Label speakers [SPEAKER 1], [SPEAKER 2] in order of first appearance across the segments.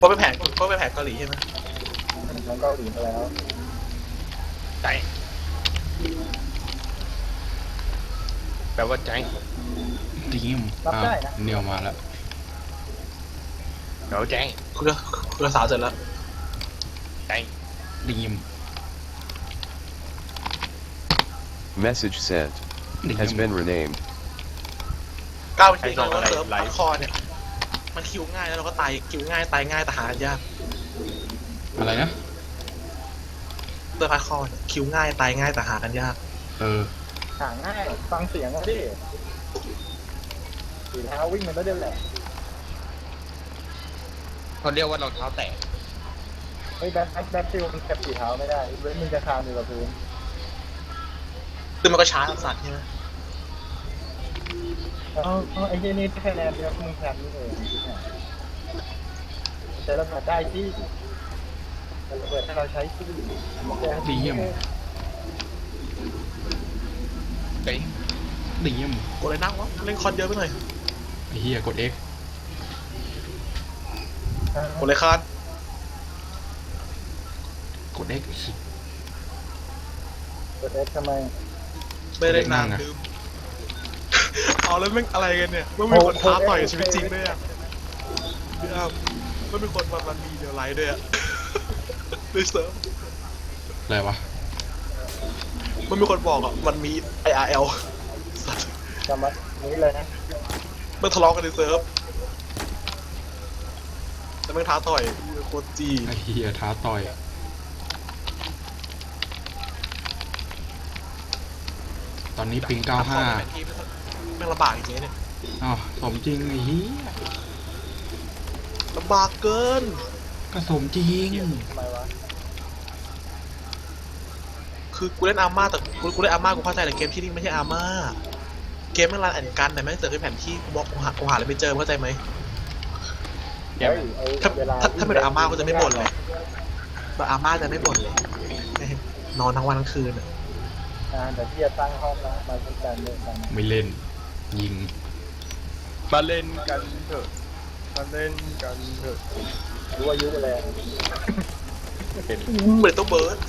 [SPEAKER 1] เพราะเป็นแผนเกาหลีใช่ไหม
[SPEAKER 2] ของเกาหลีมาแล้ว
[SPEAKER 3] ใจแปลว่าใจ
[SPEAKER 4] ดีม
[SPEAKER 2] รับได้นะ
[SPEAKER 4] เนียวมาแล้ว
[SPEAKER 3] เดี๋ยวใจ
[SPEAKER 1] คุยกับสาวเสร็จแล้ว
[SPEAKER 3] ใจ
[SPEAKER 4] ดีม
[SPEAKER 5] Message sent.
[SPEAKER 4] ดีม
[SPEAKER 5] Has been renamed.
[SPEAKER 1] ก้าวไปที่เราเซิร์ฟฮาร์ดคอร์เนี่ยมันคิวง่ายแล้วเราก็ตายคิวง่ายตายง่ายแต่หายาก
[SPEAKER 4] อะไรนะ
[SPEAKER 1] เซิร์ฟฮาร์ดคอร์คิวง่ายตายง่ายแต่หากันยาก
[SPEAKER 4] เออ
[SPEAKER 2] หาง่ายฟังเสียงอะดิสีเท้าวิ่งมันก็เดินแหละ
[SPEAKER 3] เขาเรียกว่ารองเท้าแตะ
[SPEAKER 2] เฮ้ยแบ็คฟิลมันเก็บสีเท้าไม่ได้เว้นมึงจะคานอยู่กับพื้น
[SPEAKER 1] คือมันก็ช้าสัตว์ใช่ไหม
[SPEAKER 2] เอาไอ้ที่นี่แค่แนนเดียวมึงแทนนี่เองแต่เราได้ที่แต่ระเบิดถ้าเราใช้ที่
[SPEAKER 4] ดีม
[SPEAKER 3] ใจ
[SPEAKER 4] ดีม
[SPEAKER 1] กดเลยนั่งวะเล่นคอนเยอะไปหน่อย
[SPEAKER 4] ไอ้เหี้ยกด X
[SPEAKER 1] กดเลยคาน
[SPEAKER 4] กด X
[SPEAKER 2] กดเอสทำไม
[SPEAKER 1] ไม่ได้นานลืมเอาแล้วแม่งอะไรกันเนี่ยไม่มีคนท้าต่อยชีวิตจริงด้วยอ่ะพี่อ้ำไม่มีคนมันมีเดียวไลท์ด้วยอ่ะในเซิร์ฟ
[SPEAKER 4] อะไรวะ
[SPEAKER 1] มันมีคนบอกอ่ะมันมี IRL สัตว์
[SPEAKER 2] จำมานี้เลยนะ
[SPEAKER 1] มันทะเลาะกันในเซิร์ฟแต่แม่งท้าต่อยโคตรจี
[SPEAKER 4] ไอ้เหี้ยท้าต่อย ตอนนี้ปิง 95
[SPEAKER 1] แม่งลำบากจริงๆเนี่ย
[SPEAKER 4] อ้าวสมจริงไอ้เหี้ย
[SPEAKER 1] ลำบากเกิน
[SPEAKER 4] ก็สมจริง
[SPEAKER 2] ทำไมวะ
[SPEAKER 1] คือกูเล่นอาร์มาแต่กูเล่นอาร์มากูเข้าใจแต่เกมที่นี่ไม่ใช่อาร์มาเกมแม่งรันแอนกันแต่แม่งเสิร์ฟให้แผนที่กูบอกกูหาอะไรไม่เจอเข้าใจไหม
[SPEAKER 2] เฮ้ยไอ้
[SPEAKER 1] ถ้า
[SPEAKER 2] เวลา
[SPEAKER 1] ถ้าเป็นอาร์มากูจะไม่บ่นเลยแต่อาร์มาจะไม่บ่นเลยนอนทั้งวันทั้งคืนอะ
[SPEAKER 2] แต่ที่จะตั้งห้องนะมาเป็นการเล่นกัน
[SPEAKER 4] ไม่เล่น ยิง
[SPEAKER 3] มาเล่นกันเถอะมาเล่นกันเถอะ
[SPEAKER 2] รู้อายุอะไร
[SPEAKER 1] เหมือนตัวเบิร์ด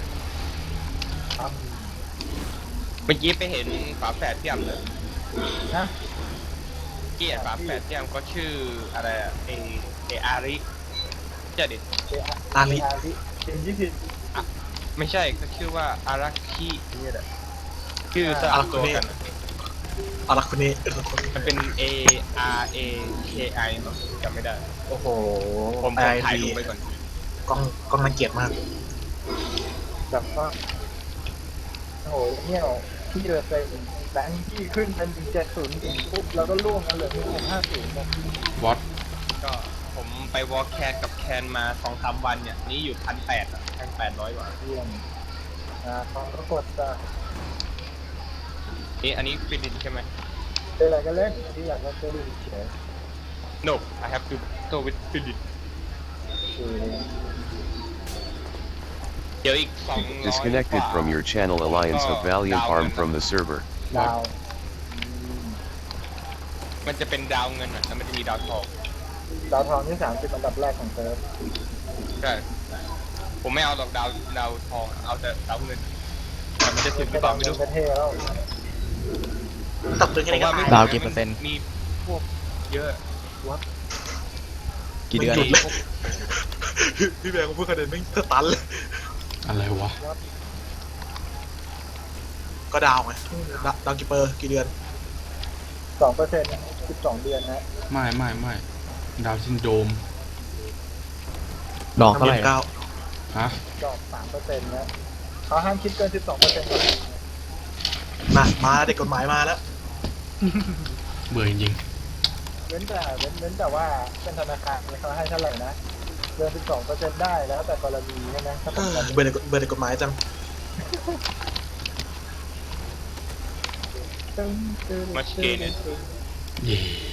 [SPEAKER 3] เมื่อกี้ไปเห็นฝาแฝดพี่ยำเลย
[SPEAKER 2] นะ
[SPEAKER 3] เกียร์ฝาแฝดพี่ยำก็ชื่ออะไรอะเออาริเจ้าดิ
[SPEAKER 1] อาริ
[SPEAKER 2] เป็น20
[SPEAKER 3] ไม่ใช่ก็ชื่อว่าอารักคินี่แหละชื่อสลับตัวกัน
[SPEAKER 1] อารักคนนี้
[SPEAKER 3] มันเป็น A R A K I เนาะจำไม่ได้
[SPEAKER 1] โอ้โห
[SPEAKER 3] ผม
[SPEAKER 1] ไอ
[SPEAKER 3] ถ่าย
[SPEAKER 1] ดี
[SPEAKER 3] รูปไปก่อน
[SPEAKER 1] กล้องน่าเกลียดมาก
[SPEAKER 2] แบบว่าโอ้โหเนี่ยที่เราเป็นแบงค์ที่ขึ้นเป็น70ถึงปุ๊บแล้วก็ล่วงกันเหลือ50นะ
[SPEAKER 4] วอต
[SPEAKER 3] ก็ผมไปวอลแคนกับแคนมา2-3 วันเนี่ยนี่อยู่1,800อะ1,800 กว่า
[SPEAKER 2] เยี่ยมเขาก็กดจะ
[SPEAKER 3] นี่อันนี้ฟินิชใช่ไหม
[SPEAKER 2] เป็นอะไรก็เล่นที่อยากจะดูเฉย
[SPEAKER 3] No I have to go with finish
[SPEAKER 2] คือ
[SPEAKER 3] เดี๋ยวอีก200
[SPEAKER 5] Disconnected from your channel Alliance of Valiant Arm from the server.
[SPEAKER 2] ดาว
[SPEAKER 3] มันจะเป็นดาวเงินอ่ะแล้วมันจะมีดาวทอง
[SPEAKER 2] ดาวทองที่30อันดับแรกของเซิร์ฟ
[SPEAKER 3] ใช่ผมไม่เอาหรอกดาวทองเอาแต่ดาวเงินแต่มันจะถึงหรือเปล่าไม่รู้
[SPEAKER 2] ประเทศแล้ว
[SPEAKER 1] ตับตึงแค่นี้ก็
[SPEAKER 3] ไม่
[SPEAKER 1] ตาย
[SPEAKER 6] ดาวกี่เปอร์เซ็นต์
[SPEAKER 3] มีพวกเยอะ
[SPEAKER 6] กี่เดือน
[SPEAKER 1] หยุดเลยพี่แบงค์พูดคะแนนไม่งตันเลย
[SPEAKER 4] อะไรวะ
[SPEAKER 1] ก็ดาวไงดาวกี่เปอร์กี่เดือน
[SPEAKER 2] 2% 12 เดือนนะ
[SPEAKER 4] ไม่ดาวซินโดรม
[SPEAKER 6] ดอกเท่าไหร่
[SPEAKER 1] เก้า
[SPEAKER 4] ฮะ
[SPEAKER 2] ดอก 3%นะเขาห้ามคิดเกิน 12%ก่อน
[SPEAKER 1] มาเด็กกฎหมายมาแล้ว
[SPEAKER 4] เบื่อจริง
[SPEAKER 2] เว้นแต่ว่าเป็นธนาคารเขาให้เท่าไหร่นะเกิน 12%ได้แล้วแต่กรณีใช่ไหมถ้า
[SPEAKER 1] เอ
[SPEAKER 2] เป็น
[SPEAKER 1] อ
[SPEAKER 2] แบบ
[SPEAKER 1] เบื่อเด็กกฎหมายจัง
[SPEAKER 3] มาเชนเนี่ย
[SPEAKER 4] ๆเย่